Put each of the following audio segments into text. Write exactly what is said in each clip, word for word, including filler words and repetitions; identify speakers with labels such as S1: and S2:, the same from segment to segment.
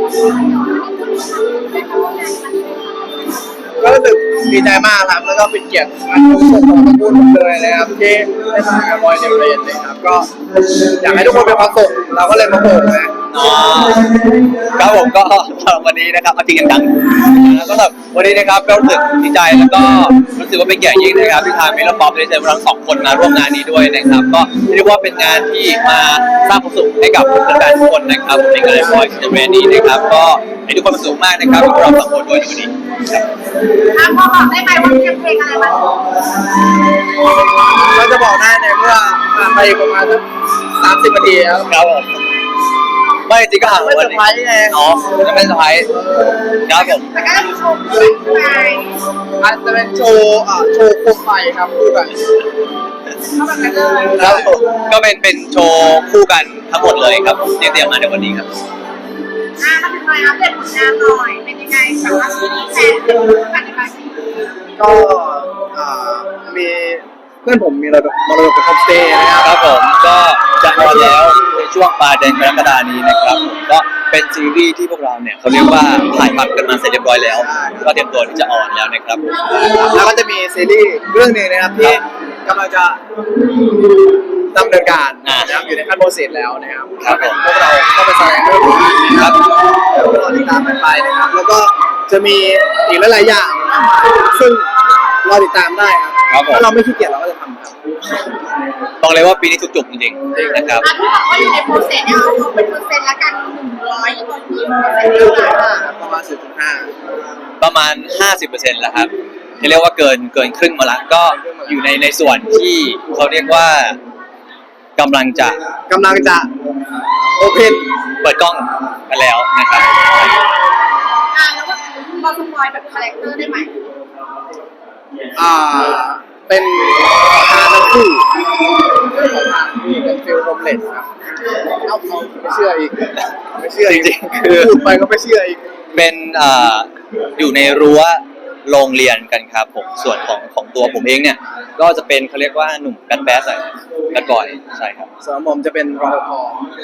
S1: ก็รู้สึกดีใจมากครับแล้วก็เป็นเกียรติอันสูงส่งของตระกูลผมเลยนะครับที่ได้มากับบอยเดลเรนนะครับก็อยากให้ทุกคนมีความสุขเราก็เลยมาโผล่นะ
S2: ครับผมก็สำหรับวันนี้นะครับเอาจริงกันจังแล้วก็แบบวันนี้นะครับก็รู้สึกดีใจแล้วก็รู้สึกว่าเป็นเกียรติยิ่งนะครับที่ทางมิลป๊อปได้เชิญเราสองคนมาร่วมงานนี้ด้วยนะครับก็เรียกว่าเป็นงานที่มาสร้างความสุขให้กับแฟนๆทุกคนนะครับในงานบอยเดลเรนนี้นะครับก็ให้ทุกคนมีความสุขมากนะครับที่เราสองคนด้วยในวันนี้
S3: ครับพอบอกได้ไหมว่าเตรียมเพลงอะไรมา
S1: เราจะบอกได้ในเมื่อผ่านไปประมาณสักสามสิบนาทีครับ
S2: ครับผมไม่จริงก็ห่าง
S1: ไม่เซอร์ไพรส์ไง
S2: อ๋อจะไม่เซอร์ไพรส์ครับผม
S3: แต่ก็มีโชว์ด้วยไง
S1: อาจจะเป็นโชว์อ่าโชว์โคมไฟครับคู่กัน
S3: เข้าแบบนั้นเลย
S2: ครับผมก็เป็นเป็นโชว์คู่กันทั้งหมดเลยครับเตรียมมาในวันนี้ครับ
S3: อ่าถ้าเป็นไงอัปเดตผลงานหน่อยเป็นยังไงสำหรับซีรีส์แฟนคู่กันในการซีรีส์
S1: ก็อ่ามีเพื่อนผมมีเรามาเราเป็นโฮมสเตย์นะครับ
S2: ครับผมก็จะออนแล้วในช่วงปลายเดือนกรกฎาคมนี้นะครับผมก็เป็นซีรีส์ที่พวกเราเนี่ยเขาเรียกว่าถ่ายทำกันมาเสร็จเรียบร้อยแล้วก็เตรียมตัวที่จะออนแล้วนะครับ
S1: แล้วก็จะมีซีรีส์เรื่องนึงนะครับที่กำลังจะดำเนินการนะครับอยู่ในขั้นโปรเซสแล้วนะครับ
S2: ครับผม
S1: พวกเราเข้าไปแสดงเรื่องนี้ครับแล้วก็รอติดตามกันไปนะครับแล้วก็จะมีอีกหลายๆอย่างซึ่งรอติดตามได้ครับถ้าเราไม่ขี้เกียจเราก็จะทำครับ
S2: บอกเลยว่าปีนี้ทุกจุกจริงๆนะครับ
S3: ที่บอกว่าอยู่ในโปรเซสเนี่ยเอาเป็นเปอร์เซ็นต์ละกันหนึ่งร้อยตอนนี้เปอร์เซ็นต์เท่าไหร่
S1: ประมาณ สี่จุดห้า
S2: ประมาณ ห้าสิบเปอร์เซ็นต์ แล้วครับที่เรียกว่าเกินเกินครึ่งมาละก็อยู่ในในส่วนที่เขาเรียกว่ากำลังจะ
S1: กำลังจะโอเพน
S2: เปิดกล้องกันแล้วนะครับ
S3: อ่าแล้วก็พอสปอยแบบคาแรคเตอร์ได้ไหม
S1: อ่าเป็นทานทั้งคู่ของทานคู่เป็นฟิลโฮมเลสครับเอาเขาไม่เชื่ออีกไม่เชื่อ
S2: จริงๆคือ
S1: พูดไปก็ไม่เชื่ออีก
S2: เป็นอ่าอยู่ในรั้วโรงเรียนกันครับผมส่วนของของตัวผมเองเนี่ยก็จะเป็นเขาเรียกว่าหนุ่มแบดแบดหน่อยแบดบอยใช่ครับ
S1: ส่วนผมจะเป็นรปภ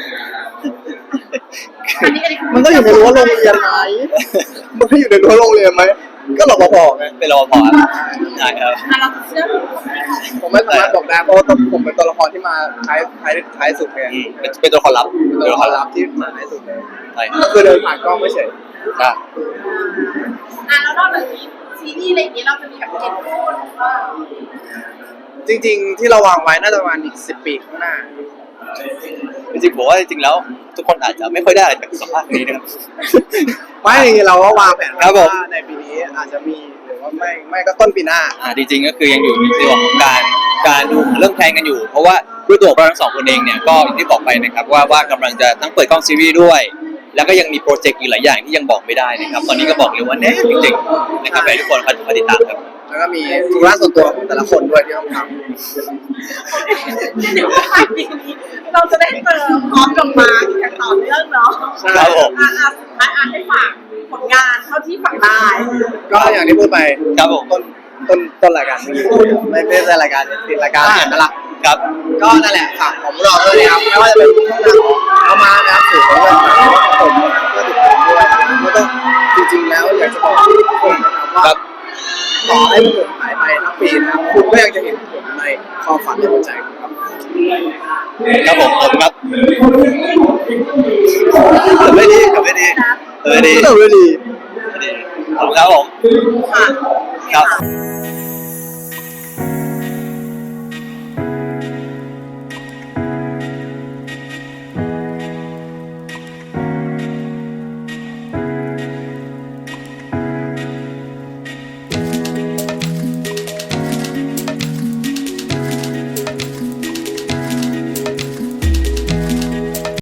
S3: อันนี้
S1: มันก็อยู่ในรั้วโรงเรียนไหมมันก็อยู่ในรั้วโรงเรียนไหมก็รปภไง
S2: เป็นรปภใช่ครับ
S3: เราเชื่อ
S1: ผมไม่สามารถบอกได้เพราะว่าผมเป็นตัวละครที่มาท้ายท้ายท้ายสุดไง
S2: เป็นตัวละครลับ
S1: เป็นตัวละครลับที่มาท้ายสุดเลย
S2: ใช่
S1: ก็คือเดินผ่านกล้องไม่เฉย
S2: อ่ะ
S3: อ่ะแล้วนอกจากนี้ซีรีส์อะไรอย่างนี้เราจะมีแบบเก็ตพูดว่า
S1: จริงๆที่เราวางไว้น่าจะประมาณอีกสิบปีข้างหน้า
S2: จริงๆผมว่าจริงๆแล้วทุกคนอาจจะไม่ค่อยได้อะไรจากสัมภาษณ์นี้นะครับ
S1: ไม่เราก็วางแผนว่าในปีนี้อาจจะมีหรือว่าไม่ไม่ก็ต้นปีหน้า
S2: อ่าจริงๆก็คือยังอยู่ในส่วนของการการดูเรื่องแพลนกันอยู่เพราะว่าด้วยตัวเราทั้งสองคนเองเนี่ยก็อย่างที่บอกไปนะครับว่าว่ากำลังจะทั้งเปิดกล้องซีรีส์ด้วยแล้วก็ยังมีโปรเจกต์อีกหลายอย่างที่ยังบอกไม่ได้นะครับตอนนี้ก็บอกเลยว่าแน่จริงๆนะครับให้ทุกคนคอยติดตามครับ
S1: แล้วก็มีธุระส่วนตัวของแต่ละคนด้วยที่ต้องทำ
S3: เดี๋ยวปลายปีนี้เราจะได้เจอพร้อมกับมาอีกอย่างต่อเนื่องเนาะ
S2: ครับผม
S3: อ่าอ่าอ่าให้ฝากผลงานเท่าที่ฝากได้
S1: ก็อย่างที่พูดไป
S2: ครับผม
S1: ต้นต้นต้นรายการไม่ไม่ใช่รายการติดรายการนั่นแหละ
S2: ครับ
S1: ก็นั่นแหละฝากของเราด้วยนะครับไม่ว่าจะเป็นช่องทางของเอามานะครับสื่อของเราผมก็ติดตามด้วยแล้วก็จริงๆแล้วอยากจะบอกทุกคนนะครับว่าต่อให้ผมหายไปทั้งปีนะครับคุณก็ยังจะเห็นผมในความฝันในหัวใจครับ
S2: ครับผมผมครับไม่ดีครับไม่ดีไม่ดี
S1: ไม่ดี
S2: ขอบคุณครับผม
S3: ค่ะ
S2: ครับ